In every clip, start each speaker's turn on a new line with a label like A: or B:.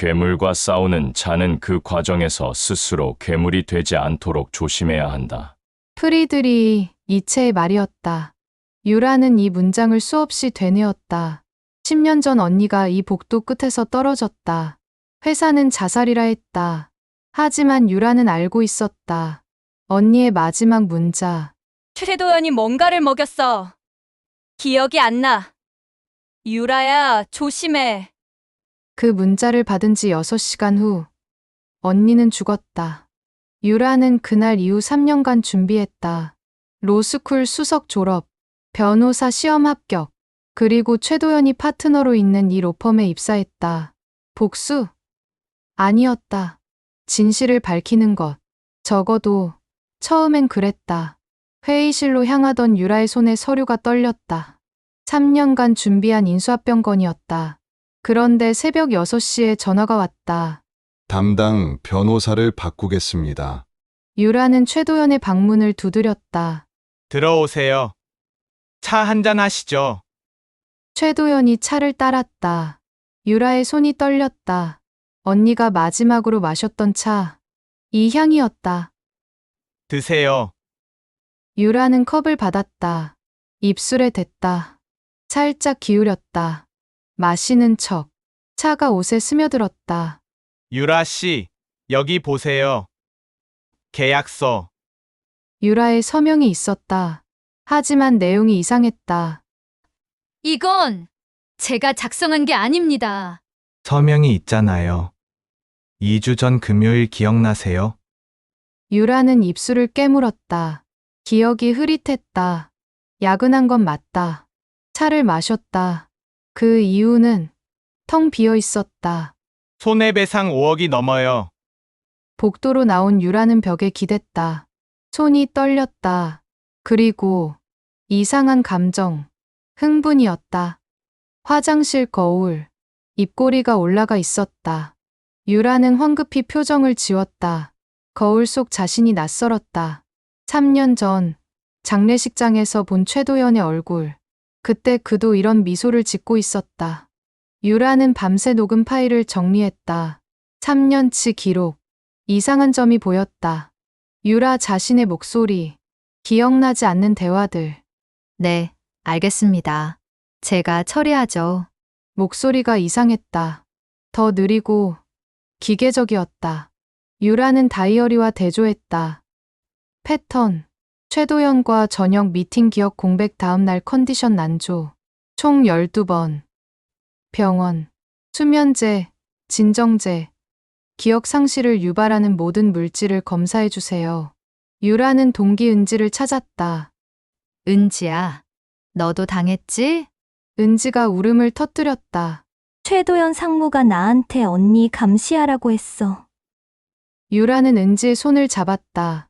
A: 괴물과 싸우는 자는 그 과정에서 스스로 괴물이 되지 않도록 조심해야 한다.
B: 프리드리 니체의 말이었다. 유라는 이 문장을 수없이 되뇌었다. 10년 전 언니가 이 복도 끝에서 떨어졌다. 회사는 자살이라 했다. 하지만 유라는 알고 있었다. 언니의 마지막 문자.
C: 최도연이 뭔가를 먹였어. 기억이 안 나. 유라야, 조심해.
B: 그 문자를 받은 지 6시간 후 언니는 죽었다. 유라는 그날 이후 3년간 준비했다. 로스쿨 수석 졸업, 변호사 시험 합격, 그리고 최도연이 파트너로 있는 이 로펌에 입사했다. 복수? 아니었다. 진실을 밝히는 것. 적어도 처음엔 그랬다. 회의실로 향하던 유라의 손에 서류가 떨렸다. 3년간 준비한 인수합병건이었다. 그런데 새벽 6시에 전화가 왔다.
D: 담당 변호사를 바꾸겠습니다.
B: 유라는 최도연의 방문을 두드렸다.
E: 들어오세요. 차 한잔 하시죠.
B: 최도연이 차를 따랐다. 유라의 손이 떨렸다. 언니가 마지막으로 마셨던 차. 이 향이었다.
E: 드세요.
B: 유라는 컵을 받았다. 입술에 댔다. 살짝 기울였다. 마시는 척. 차가 옷에 스며들었다.
E: 유라 씨, 여기 보세요. 계약서.
B: 유라의 서명이 있었다. 하지만 내용이 이상했다.
C: 이건 제가 작성한 게 아닙니다.
E: 서명이 있잖아요. 2주 전 금요일 기억나세요?
B: 유라는 입술을 깨물었다. 기억이 흐릿했다. 야근한 건 맞다. 차를 마셨다. 그 이유는 텅 비어 있었다.
E: 손해배상 5억이 넘어요.
B: 복도로 나온 유라는 벽에 기댔다. 손이 떨렸다. 그리고 이상한 감정, 흥분이었다. 화장실 거울, 입꼬리가 올라가 있었다. 유라는 황급히 표정을 지웠다. 거울 속 자신이 낯설었다. 3년 전 장례식장에서 본 최도연의 얼굴. 그때 그도 이런 미소를 짓고 있었다. 유라는 밤새 녹음 파일을 정리했다. 3년치 기록. 이상한 점이 보였다. 유라 자신의 목소리. 기억나지 않는 대화들.
F: 네, 알겠습니다. 제가 처리하죠.
B: 목소리가 이상했다. 더 느리고 기계적이었다. 유라는 다이어리와 대조했다. 패턴. 최도연과 저녁 미팅 기억 공백 다음 날 컨디션 난조. 총 12번. 병원. 수면제, 진정제. 기억 상실을 유발하는 모든 물질을 검사해 주세요. 유라는 동기 은지를 찾았다.
F: 은지야, 너도 당했지?
B: 은지가 울음을 터뜨렸다.
G: 최도연 상무가 나한테 언니 감시하라고 했어.
B: 유라는 은지의 손을 잡았다.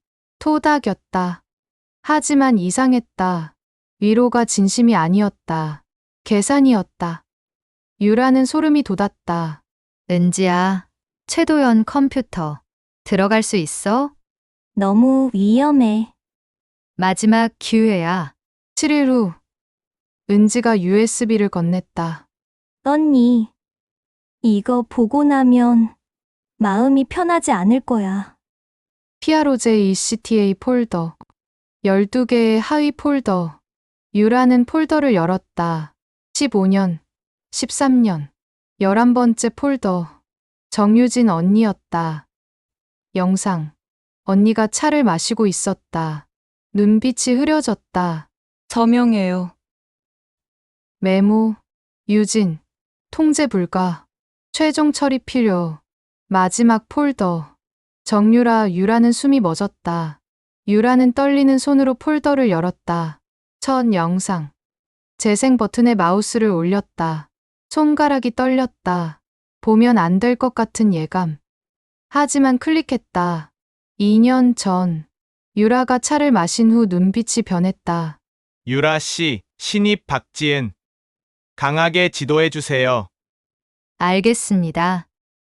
B: 토닥였다. 하지만 이상했다. 위로가 진심이 아니었다. 계산이었다. 유라는 소름이 돋았다.
F: 은지야, 최도연 컴퓨터. 들어갈 수 있어?
G: 너무 위험해.
F: 마지막 기회야.
B: 7일 후 은지가 USB를 건넸다.
G: 언니, 이거 보고 나면 마음이 편하지 않을 거야.
B: PROJ ECTA 폴더. 12개의 하위 폴더. 유라는 폴더를 열었다. 15년, 13년, 11번째 폴더. 정유진 언니였다. 영상. 언니가 차를 마시고 있었다. 눈빛이 흐려졌다.
C: 저명해요.
B: 메모. 유진. 통제 불가. 최종 처리 필요. 마지막 폴더. 유라는 숨이 멎었다. 유라는 떨리는 손으로 폴더를 열었다. 첫 영상. 재생 버튼에 마우스를 올렸다. 손가락이 떨렸다. 보면 안 될 것 같은 예감. 하지만 클릭했다. 2년 전. 유라가 차를 마신 후 눈빛이 변했다.
E: 유라 씨, 신입 박지은. 강하게 지도해 주세요.
F: 알겠습니다.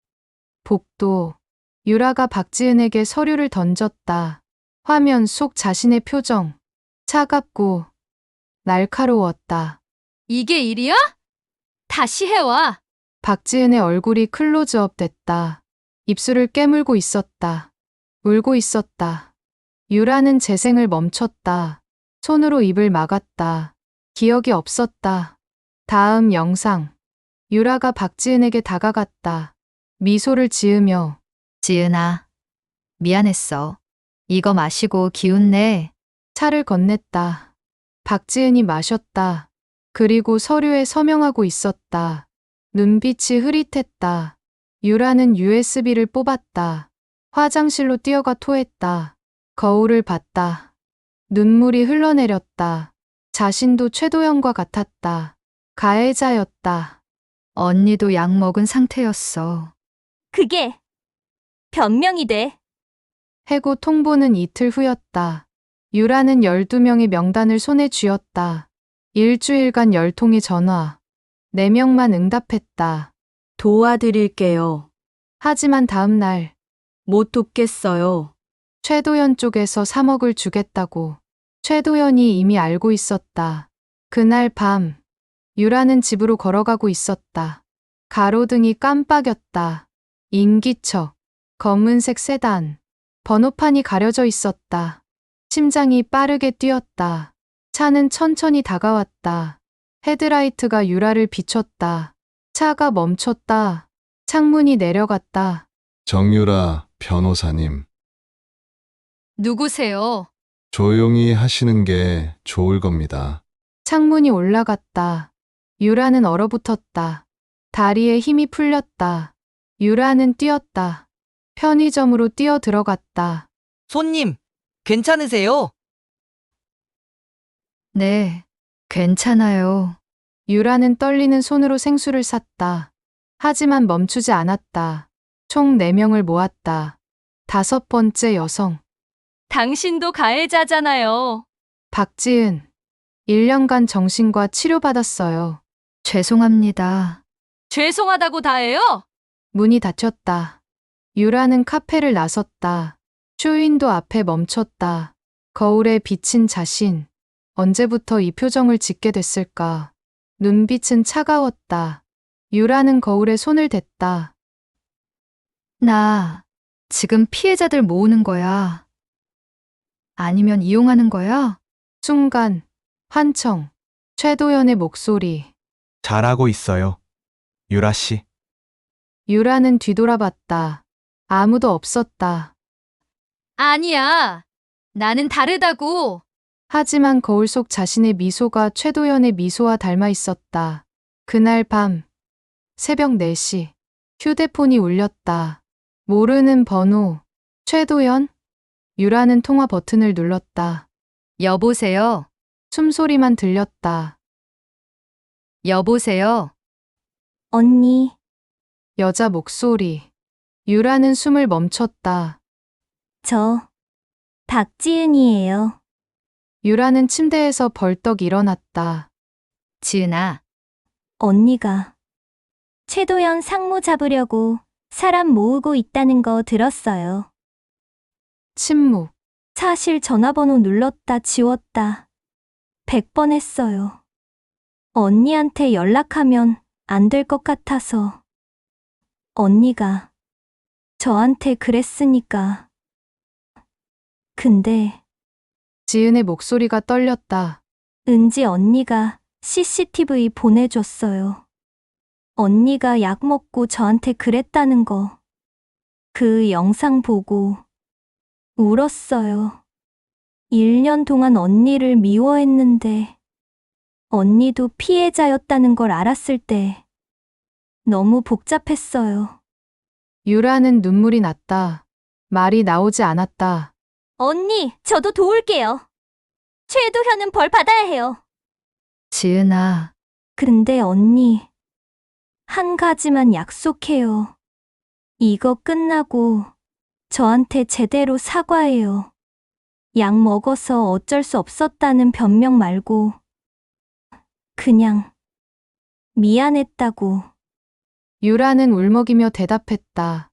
B: 복도. 유라가 박지은에게 서류를 던졌다. 화면 속 자신의 표정. 차갑고 날카로웠다.
C: 이게 일이야? 다시 해와.
B: 박지은의 얼굴이 클로즈업 됐다. 입술을 깨물고 있었다. 울고 있었다. 유라는 재생을 멈췄다. 손으로 입을 막았다. 기억이 없었다. 다음 영상. 유라가 박지은에게 다가갔다. 미소를 지으며
F: 지은아, 미안했어. 이거 마시고 기운 내.
B: 차를 건넸다. 박지은이 마셨다. 그리고 서류에 서명하고 있었다. 눈빛이 흐릿했다. 유라는 USB를 뽑았다. 화장실로 뛰어가 토했다. 거울을 봤다. 눈물이 흘러내렸다. 자신도 최도연과 같았다. 가해자였다.
F: 언니도 약 먹은 상태였어.
G: 그게 변명이 돼.
B: 해고 통보는 이틀 후였다. 유라는 12명의 명단을 손에 쥐었다. 일주일간 10통의 전화. 4명만 응답했다.
H: 도와드릴게요.
B: 하지만 다음 날
H: 못 돕겠어요.
B: 최도연 쪽에서 3억을 주겠다고. 최도연이 이미 알고 있었다. 그날 밤 유라는 집으로 걸어가고 있었다. 가로등이 깜빡였다. 인기척, 검은색 세단, 번호판이 가려져 있었다. 심장이 빠르게 뛰었다. 차는 천천히 다가왔다. 헤드라이트가 유라를 비췄다. 차가 멈췄다. 창문이 내려갔다.
D: 정유라 변호사님,
C: 누구세요?
D: 조용히 하시는 게 좋을 겁니다.
B: 창문이 올라갔다. 유라는 얼어붙었다. 다리에 힘이 풀렸다. 유라는 뛰었다. 편의점으로 뛰어 들어갔다.
H: 손님, 괜찮으세요?
F: 네, 괜찮아요.
B: 유라는 떨리는 손으로 생수를 샀다. 하지만 멈추지 않았다. 총 4명을 모았다. 5번째 여성,
C: 당신도 가해자잖아요.
B: 박지은. 1년간 정신과 치료받았어요.
F: 죄송합니다.
C: 죄송하다고 다해요?
B: 문이 닫혔다. 유라는 카페를 나섰다. 쇼윈도 앞에 멈췄다. 거울에 비친 자신. 언제부터 이 표정을 짓게 됐을까? 눈빛은 차가웠다. 유라는 거울에 손을 댔다.
F: 나 지금 피해자들 모으는 거야. 아니면 이용하는 거야?
B: 순간, 환청, 최도연의 목소리.
E: 잘하고 있어요. 유라 씨.
B: 유라는 뒤돌아봤다. 아무도 없었다.
C: 아니야. 나는 다르다고.
B: 하지만 거울 속 자신의 미소가 최도연의 미소와 닮아 있었다. 그날 밤, 새벽 4시, 휴대폰이 울렸다. 모르는 번호, 최도연? 유라는 통화 버튼을 눌렀다.
F: 여보세요?
B: 숨소리만 들렸다.
F: 여보세요?
G: 언니,
B: 여자 목소리. 유라는 숨을 멈췄다.
G: 저 박지은이에요.
B: 유라는 침대에서 벌떡 일어났다.
F: 지은아,
G: 언니가 최도연 상무 잡으려고 사람 모으고 있다는 거 들었어요.
B: 침묵.
G: 사실 전화번호 눌렀다 지웠다 100번 했어요. 언니한테 연락하면 안 될 것 같아서. 언니가 저한테 그랬으니까. 근데
B: 지은의 목소리가 떨렸다.
G: 은지 언니가 CCTV 보내줬어요. 언니가 약 먹고 저한테 그랬다는 거. 그 영상 보고 울었어요. 1년 동안 언니를 미워했는데 언니도 피해자였다는 걸 알았을 때 너무 복잡했어요.
B: 유라는 눈물이 났다. 말이 나오지 않았다.
G: 언니, 저도 도울게요. 최도현은 벌 받아야 해요.
F: 지은아,
G: 근데 언니, 한 가지만 약속해요. 이거 끝나고 저한테 제대로 사과해요. 약 먹어서 어쩔 수 없었다는 변명 말고 그냥 미안했다고.
B: 유라는 울먹이며 대답했다.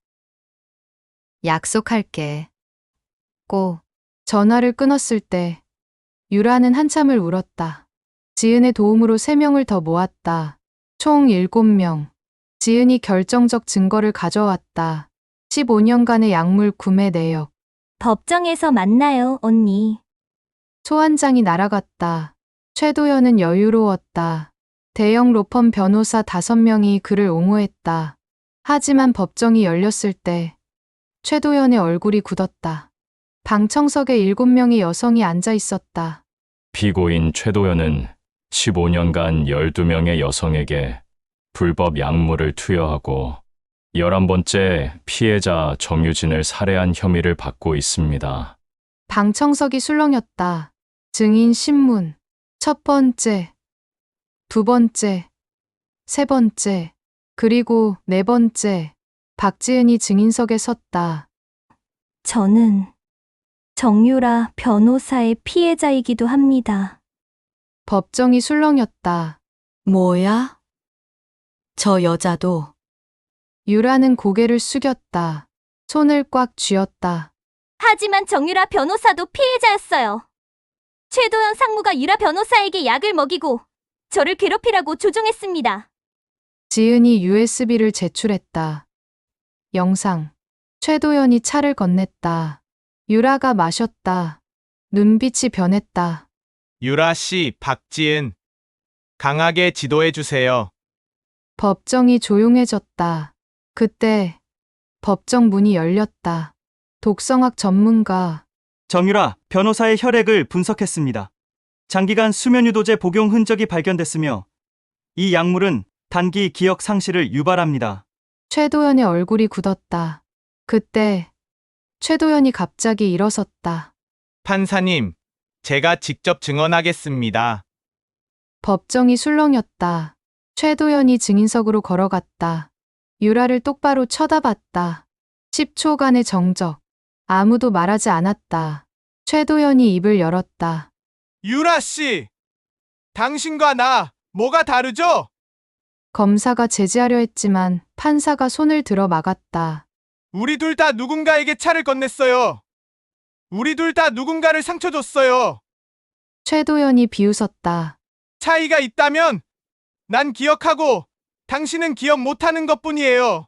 F: 약속할게. 꼭.
B: 전화를 끊었을 때 유라는 한참을 울었다. 지은의 도움으로 3명을 더 모았다. 총 7명. 지은이 결정적 증거를 가져왔다. 15년간의 약물 구매 내역.
G: 법정에서 만나요, 언니.
B: 소환장이 날아갔다. 최도연은 여유로웠다. 대형 로펌 변호사 5명이 그를 옹호했다. 하지만 법정이 열렸을 때 최도연의 얼굴이 굳었다. 방청석에 7명의 여성이 앉아 있었다.
A: 피고인 최도연은 15년간 12명의 여성에게 불법 약물을 투여하고 11번째 피해자 정유진을 살해한 혐의를 받고 있습니다.
B: 방청석이 술렁였다. 증인 신문. 첫 번째, 두 번째, 세 번째, 그리고 네 번째. 박지은이 증인석에 섰다.
G: 저는 정유라 변호사의 피해자이기도 합니다.
B: 법정이 술렁였다.
H: 뭐야? 저 여자도
B: 유라는 고개를 숙였다. 손을 꽉 쥐었다.
G: 하지만 정유라 변호사도 피해자였어요. 최도연 상무가 유라 변호사에게 약을 먹이고 저를 괴롭히라고 조종했습니다.
B: 지은이 USB를 제출했다. 영상. 최도연이 차를 건넸다. 유라가 마셨다. 눈빛이 변했다.
E: 유라 씨, 박지은. 강하게 지도해 주세요.
B: 법정이 조용해졌다. 그때 법정 문이 열렸다. 독성학 전문가.
I: 정유라 변호사의 혈액을 분석했습니다. 장기간 수면유도제 복용 흔적이 발견됐으며 이 약물은 단기 기억 상실을 유발합니다.
B: 최도연의 얼굴이 굳었다. 그때 최도연이 갑자기 일어섰다.
E: 판사님, 제가 직접 증언하겠습니다.
B: 법정이 술렁였다. 최도연이 증인석으로 걸어갔다. 유라를 똑바로 쳐다봤다. 10초간의 정적. 아무도 말하지 않았다. 최도연이 입을 열었다.
E: 유라 씨, 당신과 나 뭐가 다르죠?
B: 검사가 제지하려 했지만 판사가 손을 들어 막았다.
E: 우리 둘 다 누군가에게 차를 건넸어요. 우리 둘 다 누군가를 상처 줬어요.
B: 최도연이 비웃었다.
E: 차이가 있다면 난 기억하고 당신은 기억 못하는 것뿐이에요.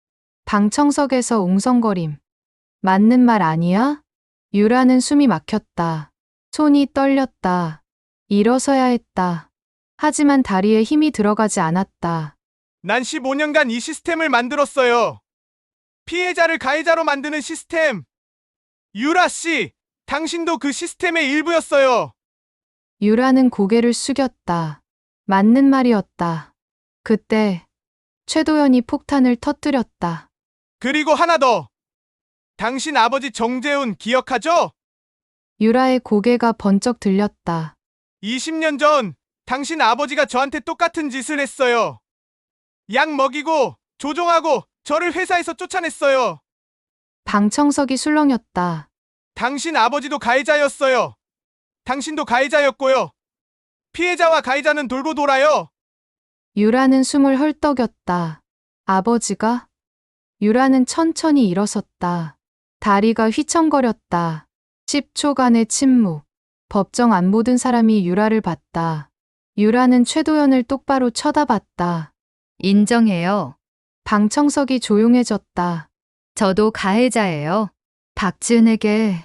B: 방청석에서 웅성거림. 맞는 말 아니야? 유라는 숨이 막혔다. 손이 떨렸다. 일어서야 했다. 하지만 다리에 힘이 들어가지 않았다.
E: 난 15년간 이 시스템을 만들었어요. 피해자를 가해자로 만드는 시스템. 유라 씨, 당신도 그 시스템의 일부였어요.
B: 유라는 고개를 숙였다. 맞는 말이었다. 그때 최도연이 폭탄을 터뜨렸다.
E: 그리고 하나 더. 당신 아버지 정재훈 기억하죠?
B: 유라의 고개가 번쩍 들렸다.
E: 20년 전 당신 아버지가 저한테 똑같은 짓을 했어요. 약 먹이고 조종하고 저를 회사에서 쫓아냈어요.
B: 방청석이 술렁였다.
E: 당신 아버지도 가해자였어요. 당신도 가해자였고요. 피해자와 가해자는 돌고 돌아요.
B: 유라는 숨을 헐떡였다. 아버지가? 유라는 천천히 일어섰다. 다리가 휘청거렸다. 10초간의 침묵. 법정 안 모든 사람이 유라를 봤다. 유라는 최도연을 똑바로 쳐다봤다.
F: 인정해요.
B: 방청석이 조용해졌다.
F: 저도 가해자예요. 박지은에게,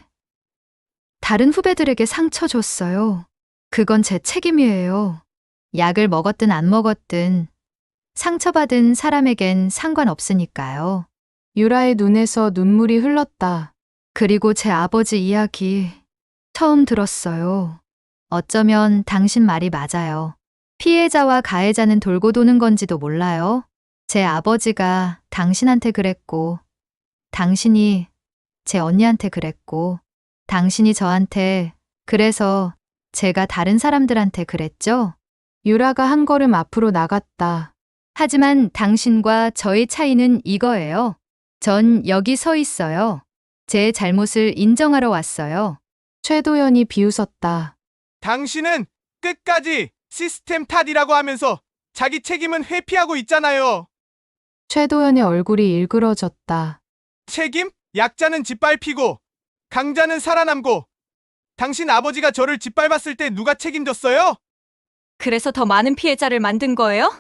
F: 다른 후배들에게 상처 줬어요. 그건 제 책임이에요. 약을 먹었든 안 먹었든 상처받은 사람에겐 상관없으니까요.
B: 유라의 눈에서 눈물이 흘렀다.
F: 그리고 제 아버지 이야기 처음 들었어요. 어쩌면 당신 말이 맞아요. 피해자와 가해자는 돌고 도는 건지도 몰라요. 제 아버지가 당신한테 그랬고, 당신이 제 언니한테 그랬고, 당신이 저한테, 그래서 제가 다른 사람들한테 그랬죠?
B: 유라가 한 걸음 앞으로 나갔다.
F: 하지만 당신과 저의 차이는 이거예요. 전 여기 서 있어요. 제 잘못을 인정하러 왔어요.
B: 최도연이 비웃었다.
E: 당신은 끝까지 시스템 탓이라고 하면서 자기 책임은 회피하고 있잖아요.
B: 최도연의 얼굴이 일그러졌다.
E: 책임? 약자는 짓밟히고 강자는 살아남고 당신 아버지가 저를 짓밟았을 때 누가 책임졌어요?
C: 그래서 더 많은 피해자를 만든 거예요?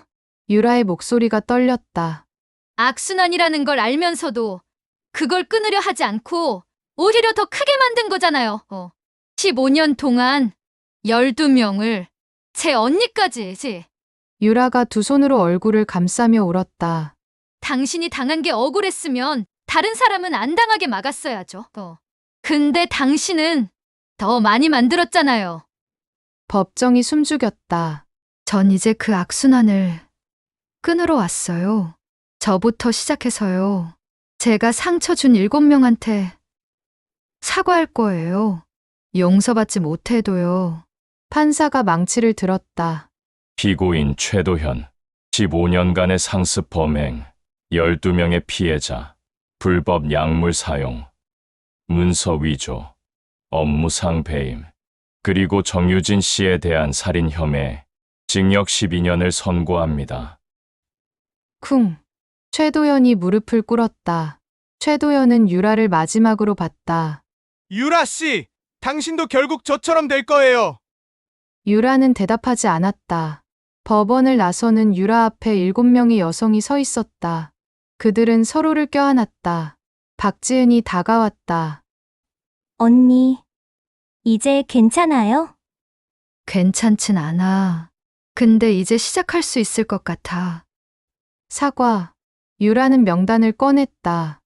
B: 유라의 목소리가 떨렸다.
C: 악순환이라는 걸 알면서도 그걸 끊으려 하지 않고 오히려 더 크게 만든 거잖아요. 15년 동안 12명을 제 언니까지지.
B: 유라가 두 손으로 얼굴을 감싸며 울었다.
C: 당신이 당한 게 억울했으면 다른 사람은 안 당하게 막았어야죠. 근데 당신은 더 많이 만들었잖아요.
B: 법정이 숨죽였다.
F: 전 이제 그 악순환을 끊으러 왔어요. 저부터 시작해서요. 제가 상처 준 7명한테 사과할 거예요. 용서받지 못해도요.
B: 판사가 망치를 들었다.
A: 피고인 최도현, 15년간의 상습 범행, 12명의 피해자, 불법 약물 사용, 문서 위조, 업무상 배임, 그리고 정유진 씨에 대한 살인 혐의, 징역 12년을 선고합니다.
B: 쿵. 최도연이 무릎을 꿇었다. 최도연은 유라를 마지막으로 봤다.
E: 유라 씨, 당신도 결국 저처럼 될 거예요.
B: 유라는 대답하지 않았다. 법원을 나서는 유라 앞에 7명의 여성이 서 있었다. 그들은 서로를 껴안았다. 박지은이 다가왔다.
G: 언니, 이제 괜찮아요?
F: 괜찮진 않아. 근데 이제 시작할 수 있을 것 같아.
B: 사과. 유라는 명단을 꺼냈다.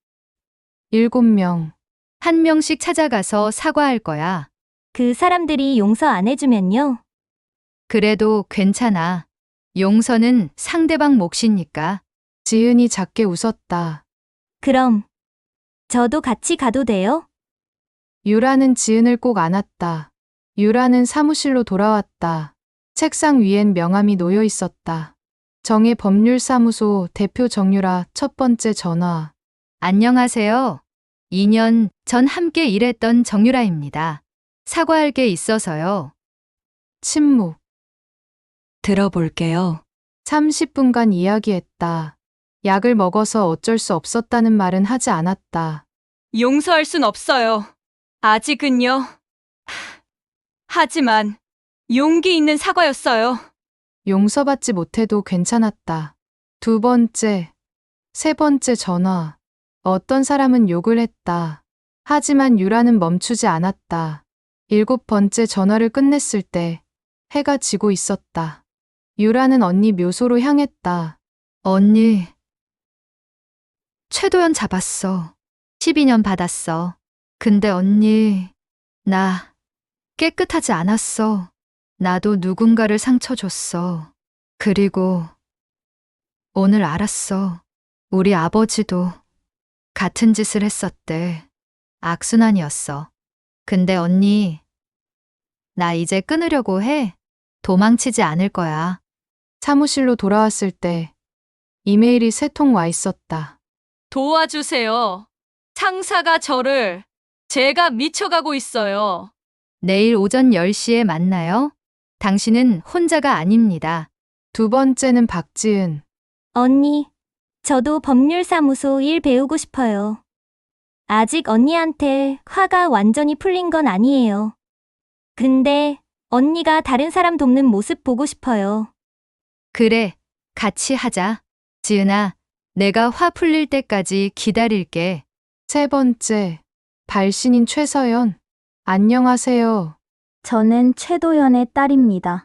B: 7명.
F: 한 명씩 찾아가서 사과할 거야.
G: 그 사람들이 용서 안 해주면요.
F: 그래도 괜찮아. 용서는 상대방 몫이니까.
B: 지은이 작게 웃었다.
G: 그럼 저도 같이 가도 돼요?
B: 유라는 지은을 꼭 안았다. 유라는 사무실로 돌아왔다. 책상 위엔 명함이 놓여 있었다. 정의 법률사무소 대표 정유라 첫 번째 전화.
F: 안녕하세요. 2년 전 함께 일했던 정유라입니다. 사과할 게 있어서요.
B: 침묵.
H: 들어볼게요.
B: 30분간 이야기했다. 약을 먹어서 어쩔 수 없었다는 말은 하지 않았다.
J: 용서할 순 없어요. 아직은요. 하지만 용기 있는 사과였어요.
B: 용서받지 못해도 괜찮았다. 두 번째, 세 번째 전화. 어떤 사람은 욕을 했다. 하지만 유라는 멈추지 않았다. 7번째 전화를 끝냈을 때 해가 지고 있었다. 유라는 언니 묘소로 향했다.
F: 언니. 최도연 잡았어. 12년 받았어. 근데 언니, 나 깨끗하지 않았어. 나도 누군가를 상처 줬어. 그리고 오늘 알았어. 우리 아버지도 같은 짓을 했었대. 악순환이었어. 근데 언니, 나 이제 끊으려고 해. 도망치지 않을 거야.
B: 사무실로 돌아왔을 때 이메일이 3통 와 있었다.
C: 도와주세요. 상사가 저를 제가 미쳐가고 있어요.
F: 내일 오전 10시에 만나요. 당신은 혼자가 아닙니다.
B: 두 번째는 박지은.
G: 언니, 저도 법률사무소 일 배우고 싶어요. 아직 언니한테 화가 완전히 풀린 건 아니에요. 근데 언니가 다른 사람 돕는 모습 보고 싶어요.
F: 그래, 같이 하자. 지은아, 내가 화 풀릴 때까지 기다릴게.
B: 세 번째, 발신인 최서연. 안녕하세요.
K: 저는 최도연의 딸입니다.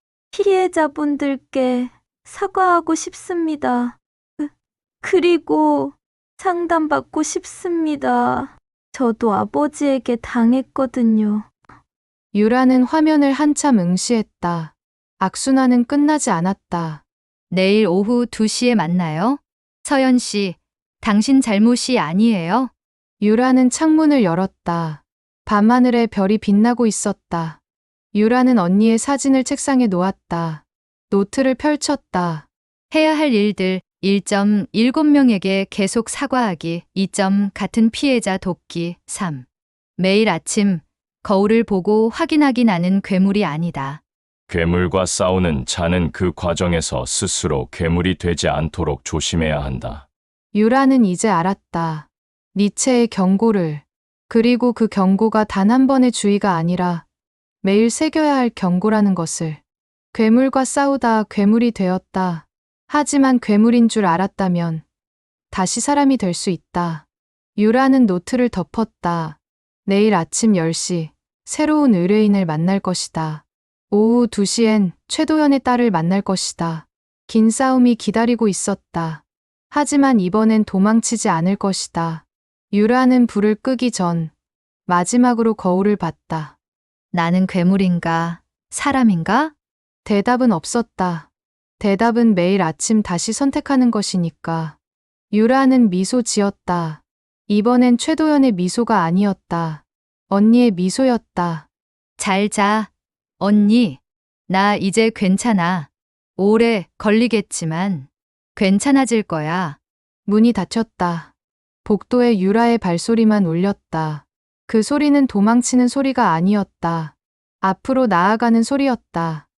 K: 피해자분들께 사과하고 싶습니다. 그리고 상담받고 싶습니다. 저도 아버지에게 당했거든요.
B: 유라는 화면을 한참 응시했다. 악순환은 끝나지 않았다.
F: 내일 오후 2시에 만나요. 서연 씨, 당신 잘못이 아니에요.
B: 유라는 창문을 열었다. 밤하늘에 별이 빛나고 있었다. 유라는 언니의 사진을 책상에 놓았다. 노트를 펼쳤다.
F: 해야 할 일들 1점 7명에게 계속 사과하기 2점 같은 피해자 돕기 3. 매일 아침 거울을 보고 확인하기 나는 괴물이 아니다.
A: 괴물과 싸우는 자는 그 과정에서 스스로 괴물이 되지 않도록 조심해야 한다.
B: 유라는 이제 알았다. 니체의 경고를. 그리고 그 경고가 단 한 번의 주의가 아니라 매일 새겨야 할 경고라는 것을. 괴물과 싸우다 괴물이 되었다. 하지만 괴물인 줄 알았다면 다시 사람이 될 수 있다. 유라는 노트를 덮었다. 내일 아침 10시 새로운 의뢰인을 만날 것이다. 오후 2시엔 최도연의 딸을 만날 것이다. 긴 싸움이 기다리고 있었다. 하지만 이번엔 도망치지 않을 것이다. 유라는 불을 끄기 전 마지막으로 거울을 봤다.
F: 나는 괴물인가? 사람인가?
B: 대답은 없었다. 대답은 매일 아침 다시 선택하는 것이니까. 유라는 미소 지었다. 이번엔 최도연의 미소가 아니었다. 언니의 미소였다.
F: 잘 자. 언니, 나 이제 괜찮아. 오래 걸리겠지만 괜찮아질 거야.
B: 문이 닫혔다. 복도에 유라의 발소리만 울렸다. 그 소리는 도망치는 소리가 아니었다. 앞으로 나아가는 소리였다.